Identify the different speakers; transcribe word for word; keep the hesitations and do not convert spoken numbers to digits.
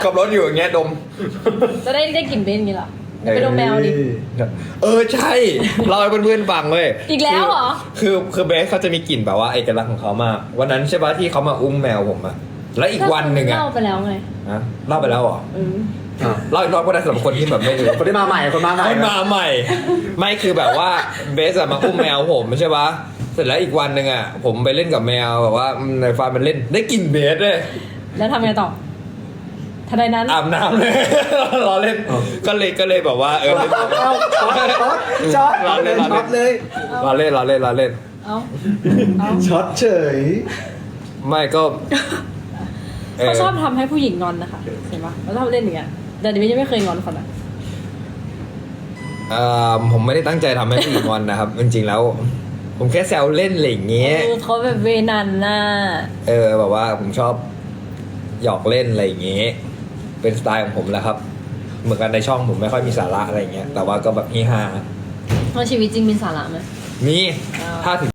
Speaker 1: ขับรถอยู่อย่างเงี้ยดม
Speaker 2: จะได้ได้กลิ่นเบนอย่างนี้เหรอเดี๋ยวไปดมแมวดิ
Speaker 1: เออใช่เราให้เพื่อนๆฟังเลย
Speaker 2: อีกแล้วเหรอ
Speaker 1: คือคือเบสเขาจะมีกลิ่นแบบว่าเอกลักษณ์ของเขามากวันนั้นใช่ปะที่เขามาอุ้มแมวผมอะแล้วอีกวันหนึ่งอะ
Speaker 2: เล่าไปแล้วไง
Speaker 1: ฮะเล่าไปแล้วเหรอ
Speaker 2: เออ
Speaker 3: อ่ะ
Speaker 1: เล่าอีกรอบก็ได้สำหรับคนที่แบบไม่รู้
Speaker 3: คนที่มาใหม่คนมาใหม่
Speaker 1: คนมาใหม่ ไม่คือแบบว่าเบสอะมาอุ้มแมวผมใช่ปะเสร็จแล้วอีกวันหนึ่งอะผมไปเล่นกับแมวแบบว่าในฟาร์มมันเล่นได้กลิ่นเบสเลย
Speaker 2: แล้วทำไงต่อทันใดนั้น
Speaker 1: อาบน้ำเลย รอเล่นก็เลยก็เลยแบบว่าเออ
Speaker 3: เอาเอาช็อตช็อตช็อต
Speaker 1: รอเล่นรอ
Speaker 3: ช็อตเล
Speaker 1: เล่น
Speaker 3: ย
Speaker 1: รอเล่นรอเล่นรอเล่น
Speaker 2: เอาเอา
Speaker 3: ช็อตเฉย
Speaker 1: ไม่ก็
Speaker 2: เขาชอบทำให้ผู้หญิงงอนนะคะเห็นปะเขาชอบเล่นอย่างเงี้ยแต่ดิฉันยังไม่เคยงอนคนอ่ะ
Speaker 1: เอ่อผมไม่ได้ตั้งใจทำให้ผู้หญิงงอนนะครับ จริงๆแล้ว ผมแค่แซวเล่นอะไรอย่างเงี้ย
Speaker 2: เออเขาแบบเวนันน่ะ
Speaker 1: เออแบบว่าผมชอบหยอกเล่นอะไรอย่างเงี้ยเป็นสไตล์ของผมแหละครับ เหมือนกันในช่องผมไม่ค่อยมีสาระอะไรอย่างเงี้ยแต่ว่าก็แบบเฮฮา
Speaker 2: เพราะชีวิตจริงมีสาระไหม
Speaker 1: มี
Speaker 2: อ้าว
Speaker 1: ถ้าถึง